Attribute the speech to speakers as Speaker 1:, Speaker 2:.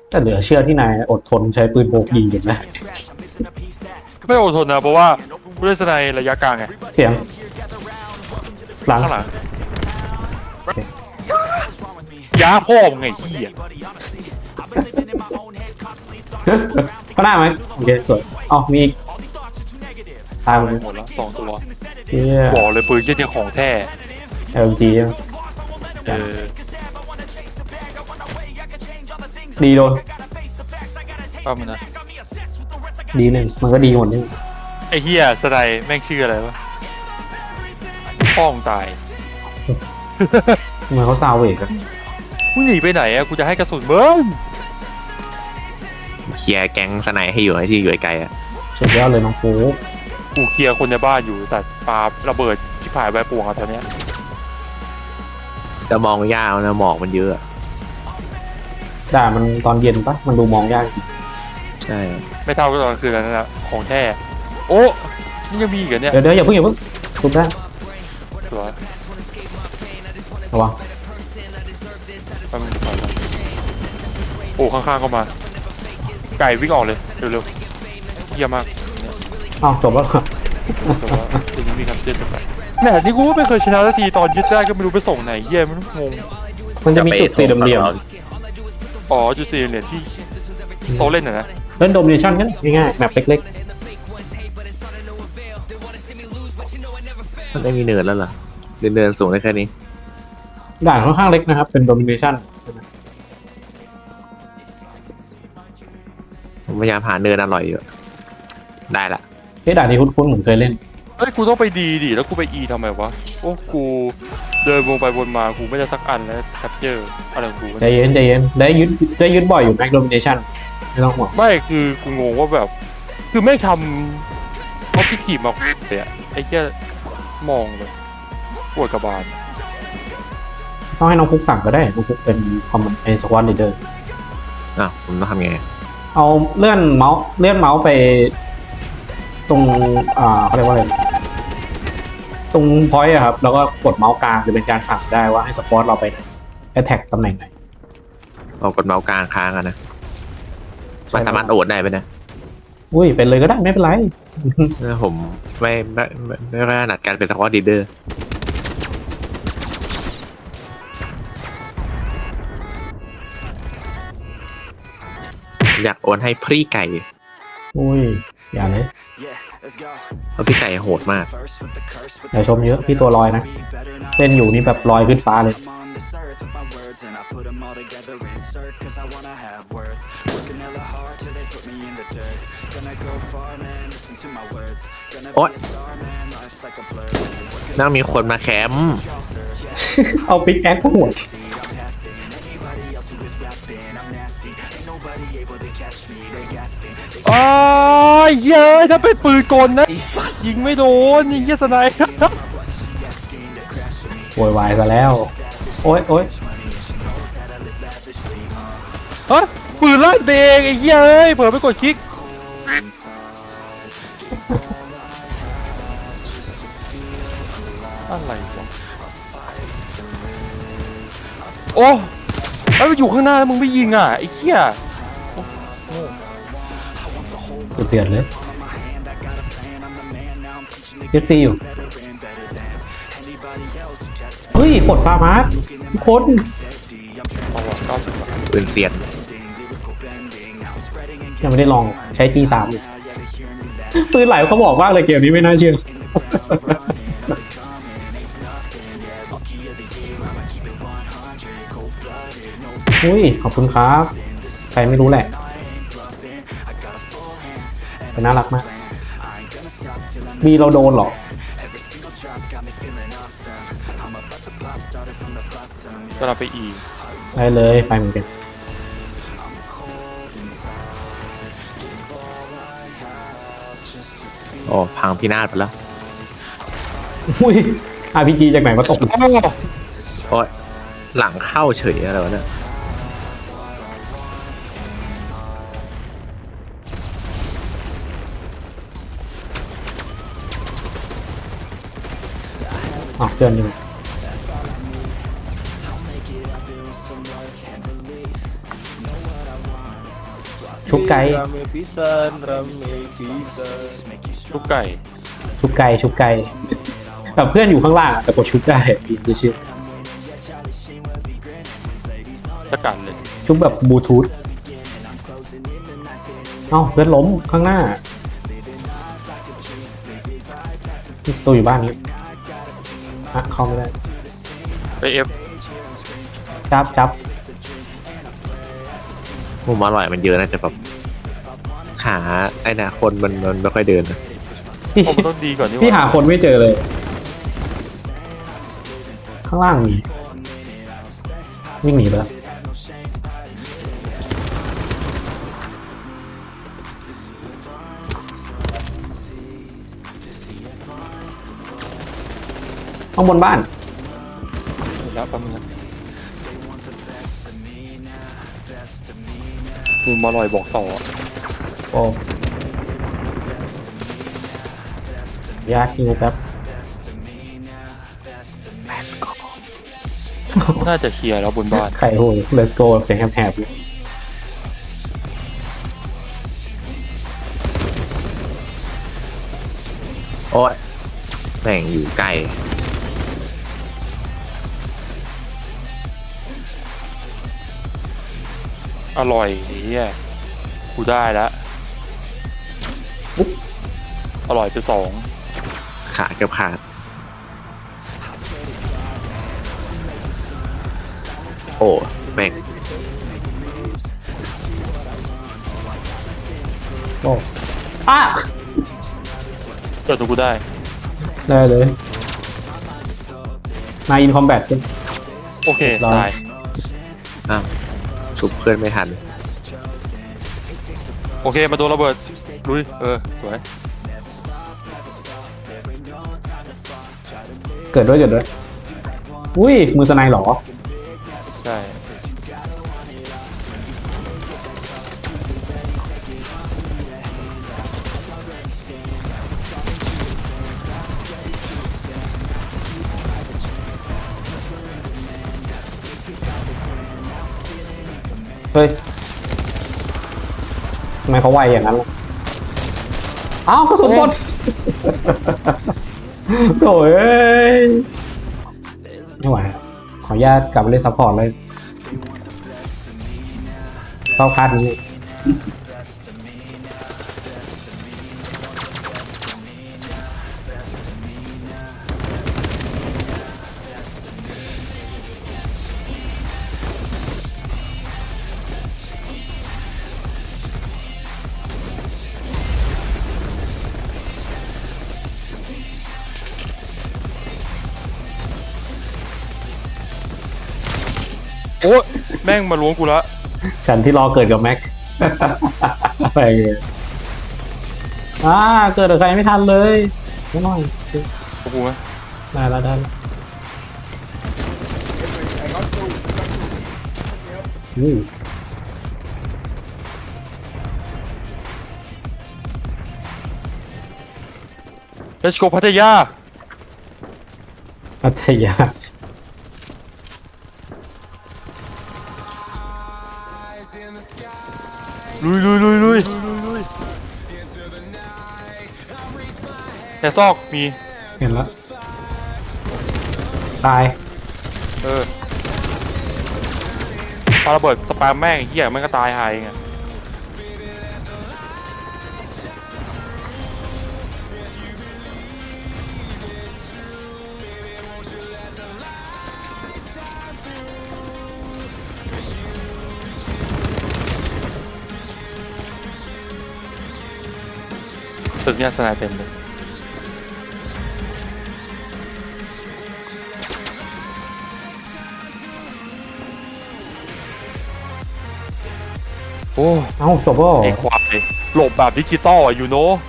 Speaker 1: แต่เหลือเชื่อที่นายอดทนใช้ปืนพกยิงอยู่นะ
Speaker 2: ไม่อดทนนะเพราะว่าผู้เล่นสไนระยะกลางไง
Speaker 1: เสียงหลัง
Speaker 2: ข้างหลังยาพ่อมึงไงเหี้ย
Speaker 1: ก็ได้ไหมโอเคสวยอ๋อมีตายหมดเลย
Speaker 2: หมดแล้ว2 ตัว
Speaker 1: เชี่ย
Speaker 2: บอกเลยปืนเชี่ยเนี่ยของแท้
Speaker 1: LG ใช่ไหม
Speaker 2: เออ
Speaker 1: ดีโดน
Speaker 2: เอามันนะ
Speaker 1: ดีหนึ่งมันก็ดีหมดนี่
Speaker 2: ไอ้เหี้ยสไนแม่งชื่ออะไรวะพ่อมึงตาย
Speaker 1: ทำไมเขาซาวเวกอะ
Speaker 2: มึงหนีไปไหนอะกูจะให้กระสุนมึง
Speaker 3: เคลียร์แก๊งสไนให้อยู่ให้ที่อยู่ไกลๆอ่ะ
Speaker 1: สุดยอดเลยน้องฟู
Speaker 2: กูเคลียร์คนในบ้านอยู่แต่ปาระเบิดที่ผ่านใบปวงอะตอนเนี้ย
Speaker 3: จะมองยากนะหมอกมันเยอะอะ
Speaker 1: ด่ามันตอนเย็นปะมันดูมองยากจริง
Speaker 3: ใช่
Speaker 2: ไม่เท่ากับตอนกลางคืนแล้วนะของแท้โอ้มันยังมีอีกเหรอเนี่ย
Speaker 1: เดี๋ยวอย่าเพิ่งทุบได้
Speaker 2: สวย
Speaker 1: ระวัง
Speaker 2: แป๊บนึงก่อนนะโอ้ข้างๆก็มาไก่วิ่งออกเลยเร็วๆเยี่ยมมากเนี่ย
Speaker 1: อ้าวจบแล้ว
Speaker 2: แต่ว่าทีนี้มีคำเตือนไปแหมนี่กูก็ไม่เคยชนะสักทีตอนยึดได้ก็ไม่รู้ไปส่งไหนเยี่ยมงง
Speaker 1: มันจะมีจุดสี่เหลี่ยม
Speaker 2: อ๋อจุดสี่เหรียญที่โตะเล่นน่ะนะ
Speaker 1: ๆเล่นโดมิเนชั่นกันง่ายๆแมปเล็ก
Speaker 3: มันได้มีเนินแล้วเหรอเนินสูงได้แค่นี้
Speaker 1: ๆด่านค่อนข้างเล็กนะครับเป็นโดมิเนชั่น
Speaker 3: ผมพยายามหาเนินอร่อยอยู่ได้ละ
Speaker 1: ที่ด่านนี้คุ้นๆเหมือนเคยเล่น
Speaker 2: เฮ้ยกูต้องไปดีดิแล้วกูไปอีทำไมวะโอ้กูเดินวงไปวนมากูไม่ได้สักอันแล้วแคปเจอร์อะไรของกูวะ
Speaker 1: ใจเย็นได้ยึดบ่อยอยู่แม็กโดมิเนชั่นไม่ต้องห่วง
Speaker 2: ไม่คือกูงงว่าแบบคือไม่ทำเขาที่ขีบมาเลยอะไอ้แค่มองเลยปวดกระบาล
Speaker 1: ต้องให้น้องฟุกสั่งก็ได้น้องฟุกเป็นคอมมานด์สควอตลีดเดอร์
Speaker 3: อ้าวผมต้องทำไง
Speaker 1: เอาเลื่อนเมาส์ไปตรงเขาเรียกว่าอะไรตรงพอยต์อะครับแล้วก็กดเมาส์กลางจะเป็นการสั่งได้ว่าให้สควอตเราไปแอทแทกตำแหน่งไหน
Speaker 3: เอากดเมาส์กลางค้างอะนะมันสามารถโอดได้ไหมเนะ
Speaker 1: อุ้ยเป็นเลยก็ได้ไม่เป็นไร
Speaker 3: ผมไม่ถนัดการเป็นสควอตลีดเดอร์อยากโอนให้พรี่ไก่
Speaker 1: อุ้ยอย่าเลย
Speaker 3: เพราะพี่ไก่โหดมาก
Speaker 1: อย่าชมเยอะพี่ตัวลอยนะเล่นอยู่นี่แบบลอยขึ้นฟ้าเลย
Speaker 3: โอ๊ยน่ามีคนมาแคมป์
Speaker 1: เอาปิกแอคก็หัว
Speaker 2: อ้าวเย้ยถ้าเป็นปืนกลนะยิงไม่โดนยิงเหี้ยสไนป์
Speaker 1: โวยวายซะแล้วโอ๊ย
Speaker 2: ฮะปืนลั่นเองไอ้เหี้ยเอ้ยเผื่อไปกดคลิกอะไรวะโอ้ไอ้มันอยู่ข้างหน้าแล้วมึงไม่ยิงอ่ะไอ้เหี้ย
Speaker 1: เดือดเลยเอฟซีอยู่เฮ้ยปลดฟาร์มาร์ทุกคน
Speaker 2: เอาวะ90 บาท
Speaker 3: ปืนเซียน
Speaker 1: ยังไม่ได้ลองใช้ G3 อยู่ปืนไหลเขาบอกมากเลยเกมนี้ไม่น่าเชื่ออุ้ยขอบคุณครับใครไม่รู้แหละแต่น่ารักมากบีเราโดนหรอ
Speaker 2: ก็เราไปอีก
Speaker 1: ได้เลยไปเหมือนกัน
Speaker 3: โอ้พังพินาศไปแล้ว
Speaker 1: อุ้ย RPG จากไหนมาตก
Speaker 3: โอ้ยหลังเข้าเฉยอะไรวะเนี่ย
Speaker 1: อ๋อเตือนอยู่ชุบไก่
Speaker 2: Rame pisan, rame pisan. ชุบไก่
Speaker 1: ชุบไก่ชุบไก่แบบเพื่อนอยู่ข้างล่างอะแต่กดชุบไก่อีกชื่อ
Speaker 2: สกัดเลย
Speaker 1: ชุบแบบบลูทูธเอ้าเพื่อนล้มข้างหน้าที่สตูอยู่บ้านนี้อะเข้าไม่ได้
Speaker 2: ไปเอฟ
Speaker 1: จับ
Speaker 3: มุมอร่อยมันเยอะนะแต่แบบหาไอ้นะคนมันไม่ค่อยเดินนะ
Speaker 1: พี่
Speaker 2: ผมต้องดีก่อนนี่
Speaker 1: พี่หาคนไม่เจอเลย ข้างล่างมีวิ่งหนีไปแล้วข้างบนบ้าน
Speaker 2: แล้วแป๊บนึงนะมุมอร่อยบอกต่อ
Speaker 1: โอ้ยากจริงครับ
Speaker 2: น่าจะเคลียร์แล้วบนบ้าน
Speaker 1: ไข่โหย let's go เสียงแหบๆเลย
Speaker 3: โอ้ยแม่งอยู่ไกล
Speaker 2: อร่อยเฮียกูได้แล้วอร่อยไปสอง
Speaker 3: ขาเกือบขาดโอ้แม่ง
Speaker 1: โอ้อ่ะ
Speaker 2: เจอตัวกูได้
Speaker 1: ได้เลยนายอินคอมแบทใช่ไหม
Speaker 2: โอเค
Speaker 1: รอ
Speaker 2: ตาย
Speaker 3: อ้าวชุบเพื่อนไม่ทัน
Speaker 2: โอเคมาโดนระเบิดลุยสวย
Speaker 1: เกิดด้วยอุ้ยมือสไนเหรอ
Speaker 2: ใช่
Speaker 1: เฮ้ยทำไมเขาไวอย่างนั้นล่ะอ้าวกระสุนหมดโถ่เอ้ยไม่ไหวอะขออนุญาตกลับไปเล่นซัพพอร์ตเลยเข้าคาดนี้
Speaker 2: โอ้แม่งมาล้วงกูละ
Speaker 1: ฉันที่รอเกิดกับแม็ก อะไรเงี้ยเกิดกับใครไม่ทันเลยไม่น้อย
Speaker 2: กูไหม
Speaker 1: ได้แล้วอืม
Speaker 2: Let's go พัทยา
Speaker 1: พัทยา
Speaker 2: ลุยแต่ซอกมี
Speaker 1: เห็นแล้วตาย
Speaker 2: ปาระเบิดสปามแม่งไอ้เหี้ยแม่งก็ตายหายไงตึกเนี่ยสนายเต็มเลยโอ้
Speaker 1: เอ้าจบแล้วเหรอ
Speaker 2: ไอ้ควายหลบแบบดิจิตอลอ่ะยูโน่